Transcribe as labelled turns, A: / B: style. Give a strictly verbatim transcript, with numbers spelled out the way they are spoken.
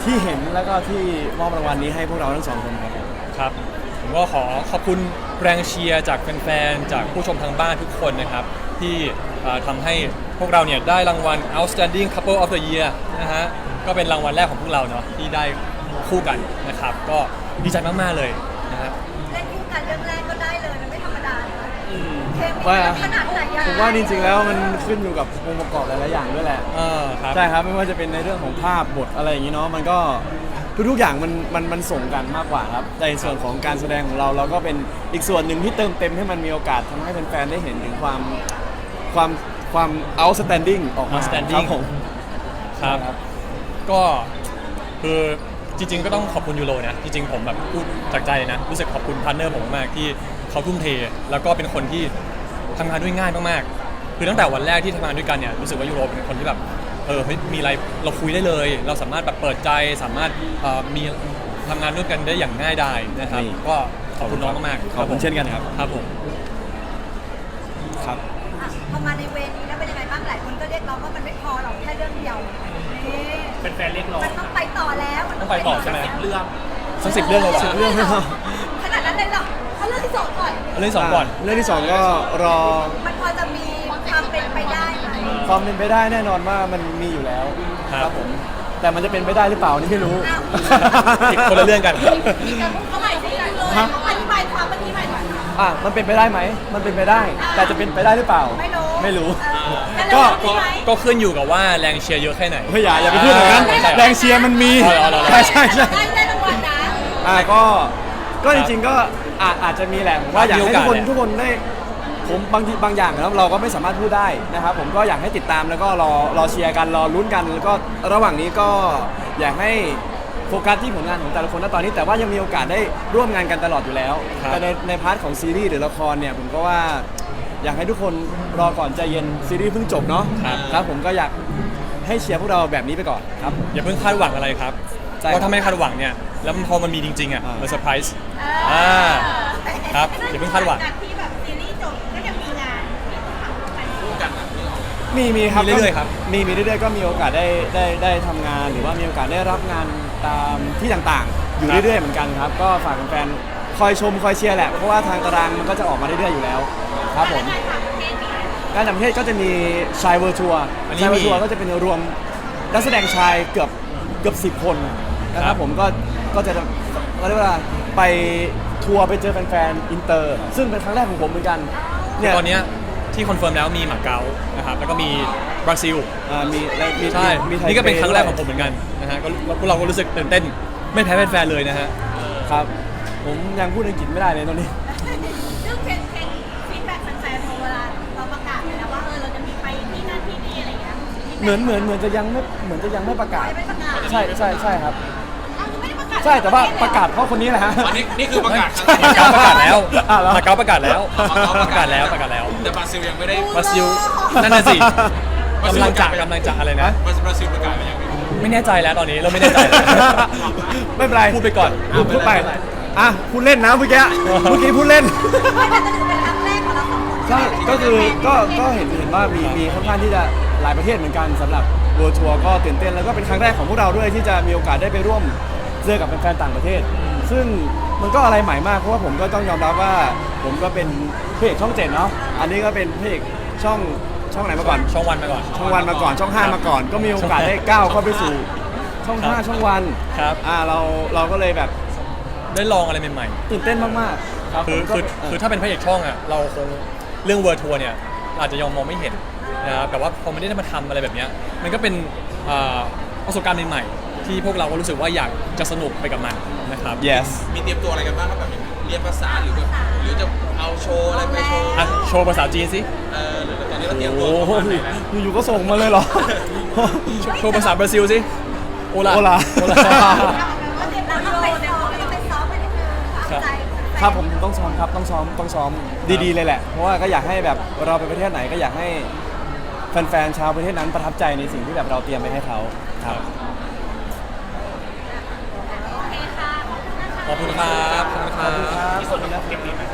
A: ที่เห็นแล้วก็ที่มอบรางวัลนี้ให้พวกเราทั้งสองคนครับ
B: ครับผมก็ขอขอบคุณแรงเชียร์จากแฟนๆจากผู้ชมทางบ้านทุกคนนะครับที่ทำให้พวกเราเนี่ยได้รางวัล Outstanding Couple of the Year นะฮะก็เป็นรางวัลแรกของพวกเราเนาะที่ได้คู่กันนะครับก็ดีใจมากๆเลยนะฮะ
C: เล่นคู่กันเรื่องแรกก็ได้เลยมันไม่ธรรมดาเลยเคมี
A: ว่า
C: ขนาดไหนอะ
A: ผมว่าจริงๆแล้วมันขึ้นอยู่กับองค์ประกอบหลายๆอย่างด้วยแหละใช่ครับไม่ว่าจะเป็นในเรื่องของภาพบทอะไรอย่างนี้เนาะมันก็ทุกๆอย่างมันมันมันส่งกันมากกว่าครับในส่วนของการแสดงของเราเราก็เป็นอีกส่วนหนึ่งที่เติมเต็มให้มันมีโอกาสทำให้แฟนๆได้เห็นถึงความความความ outstanding ออกมา
B: outstanding
A: ผม
B: ครับก็คือจริงๆก็ต้องขอบคุณยูโรนะจริงๆผมแบบพูดจากใจเลยนะรู้สึกขอบคุณพาร์ทเนอร์ผมมากที่เขาทุ่มเทแล้วก็เป็นคนที่ทำงานด้วยง่ายมากๆคือตั้งแต่วันแรกที่ทำงานด้วยกันเนี่ยรู้สึกว่ายูโรเป็นคนที่แบบเออเฮ้ยมีอะไรเราคุยได้เลยเราสามารถแบบเปิดใจสามารถมีทำงานร่วมกันได้อย่างง่ายดายนะครับก็ขอบคุณน้องมากๆ
A: ขอบคุณเช่นกันครับ
B: ครับผม
A: ครับ
C: พอมาในเวทีแล้วเป็นยังไงบ้างหลายคนก็เรียกร้องว่ามันไม่พอหรอกแค่เรื่องเดียว
D: เป็นแฟนเรียกร้อง
C: มันต้องไปต่อแล้ว
B: ต้องไปต่อใช่ไหม
D: เรื่อง
B: สักสิบเรื่องเลย
A: สิบเรื่องเลย
C: ขนาดนั้นเลยเหรอเอาเรื่องที่สองก่อน
B: เรื่องที่สองก่อน
A: เรื่องที่สองก็รอ
C: มันพอจะมีความเป็นไปได้ไหม
A: ความเป็นไปได้แน่นอนว่ามันมีอยู่แล้วครับผมแต่มันจะเป็นไปได้หรือเปล่านี่ไม่รู้
B: อีกคนละเรื่องกัน
C: มีการพูดเข้าใหม่สิเลยอธิบายความเมื่อกี้ใหม่หน่อย
A: อ่ะมันเป็นไปได้ไหมมันเป็นไปได้แต่จะเป็นไปได้หรือเปล่า
C: ไม่รู้
A: ไม่รู้
B: ก็ก็ขึ้นอยู่กับว่าแรงเชียร์เยอะแค่ไหน
A: เฮ้ยอย่าอย่าไปพูดอย่างนั้นแรงเชียร์มันมีใช่ใช่ใช่
C: ได้รางวัลนะ
A: อ่ะก็ก็จริงๆก็อาจจะมีแหละว่าอยากให้ทุกคนทุกคนได้ผมบางทีบางอย่างนะครับเราก็ไม่สามารถพูดได้นะครับผมก็อยากให้ติดตามแล้วก็รอรอเชียร์กันรอลุ้นกันแล้วก็ระหว่างนี้ก็อยากให้โฟกัสที่ผลงานของแต่ละคนณตอนนี้แต่ว่ายังมีโอกาสได้ร่วมงานกันตลอดอยู่แล้วแต่ในในพาร์ทของซีรีส์หรือละครเนี่ยผมก็ว่าอยากให้ทุกคนรอก่อนใจเย็นซีรีส์เพิ่งจบเนาะครับผมก็อยากให้เชียร์พวกเราแบบนี้ไปก่อนครับ
B: อย่าเพิ่งคาดหวังอะไรครับเพราะถ้าไม่คาดหวังเนี่ยแล้วพอมันมีจริงๆอ่ะมันเซอร์ไพรส์อ่าครับอย่าเพิ่งคาดหวัง
A: มีมีครับ
B: เรื่อยๆครับ
A: มีมีเรื่อยๆก็มีโอกาสได้ได้ได้ทำงานหรือว่ามีโอกาสได้รับงานตามที่ต่างๆอยู่เรื่อยๆเหมือนกันครับก็ฝากแฟนๆคอยชมคอยเชียร์แหละเพราะว่าทางตารางมันก็จะออกมาเรื่อยๆอยู่แล้วครับผมการต่างประเทศก็จะมีชายเวิร์ทัวร์ชายเวิร์ทัวร์ก็จะเป็นรวมนักแสดงชายเกือบเกือบสิบคนนะครับผมก็ก็จะก็เรียกว่าไปทัวร์ไปเจอแฟนๆอินเตอร์ซึ่งเป็นครั้งแรกของผมเหมือนกัน
B: เนี่ยตอนนี้ที่คอนเฟิร์มแล้วมีหมาเก๊านะครับแล้วก็มีบราซิล
A: อ่ามีมี
B: ใช่นี่ก็เป็นครั้งแรกของผมเหมือนกันนะฮะก็พวกเราก็รู้สึกตื่นเต้นไม่แพ้แฟนๆเลยนะฮะ
A: ครับผมยังพูดอังกฤษไม่ได้เลยตอนนี้
C: ซึ่งเพลงเพลงฟีดแบ็กแฟนๆเวลาเราประกาศไปแล้วว่าเออเราจะมีไปที่นั่นที่นี่อะไรอย่างเงี้ย
A: เหมือนเหมือนเหมือนจะยังไม่เหมือนจะยังไม่ประกาศใช่ใช่ใช่ครับ
C: ใ
A: ช่แต่ว่าประกาศเพราะคนนี้แหละฮะ
D: นี่นี่คือประกาศ
B: มาเก๊าประกาศแล้วมาเก๊าประกาศแล้วประกาศแล้วประกาศแล้ว
D: แต่บราซิลยังไม่ได้
B: บราซิลนั่นน่ะสิกำลังจะกำลังจะอะไรนะ
D: บราซิลประกาศไปยัง
B: ไม่แน่ใจแล้วตอนนี้เราไม่แน่ใจ
A: ไม่เป็นไร
B: พูดไปก่อน
A: พูดไปอ่ะพูดเล่นนะเมื่อกี้เมื่อกี้พูดเล่นใช่ก็คือก็ก็เห็นเห็นว่ามีมีค่อนข้างที่จะหลายประเทศเหมือนกันสำหรับเวิลด์ทัวร์ก็ตื่นเต้นแล้วก็เป็นครั้งแรกของพวกเราด้วยที่จะมีโอกาสได้ไปร่วมเจอกับแฟนๆต่างประเทศซึ่งมันก็อะไรใหม่มากเพราะว่าผมก็ต้องยอมรับว่าผมก็เป็นพระเอกช่องเจ็ดเนาะอันนี้ก็เป็นพระเอกช่องช่องไหนมาก่อน
B: ช่องวันมาก่อน
A: ช่องวันมาก่อนช่องห้ามาก่อนก็มีโอกาสได้ก้าวเข้าไปสู่ช่องห้าช่องวัน
B: ครับ
A: อ่าเราเราก็เลยแบบ
B: ได้ลองอะไรใหม่
A: ๆตื่นเต้นมากๆ
B: ครับคือคือคือถ้าเป็นพระเอกช่องอ่ะเราคงเรื่องเวิร์ทัวร์เนี่ยอาจจะยังมองไม่เห็นนะครับแต่ว่าพอไม่ได้มาทำอะไรแบบนี้มันก็เป็นประสบการณ์ใหม่ๆที่พวกเราก็รู้สึกว่าอยากจะสนุกไปกับมันนะครับ
A: yes
D: มีเตรียมตัวอะไรกันบ้างครับแบบเรียนภาษาหรือแบบหรือจะเอาโชว์อะไรไปโชว์
B: อ่ะโชว์ภาษาจีนสิ
D: เออหรือตอนนี้เราเตรียมตัว
A: อยู่ๆก็ส่งมาเลยเหรอ
B: โชว์ภาษาบราซิลสิโอลา
A: โอลาครับผมต้องซ้อมครับต้องซ้อมต้องซ้อมดีๆเลยแหละเพราะว่าก็อยากให้แบบเราไปประเทศไหนก็อยากให้แฟนๆชาวประเทศนั้นประทับใจในสิ่งที่แบบเราเตรียมไปให้เขาครับ
B: ขอบคุณครับขอบคุณครับ
A: ที่ส่วนนี้นะเก็บดีไหม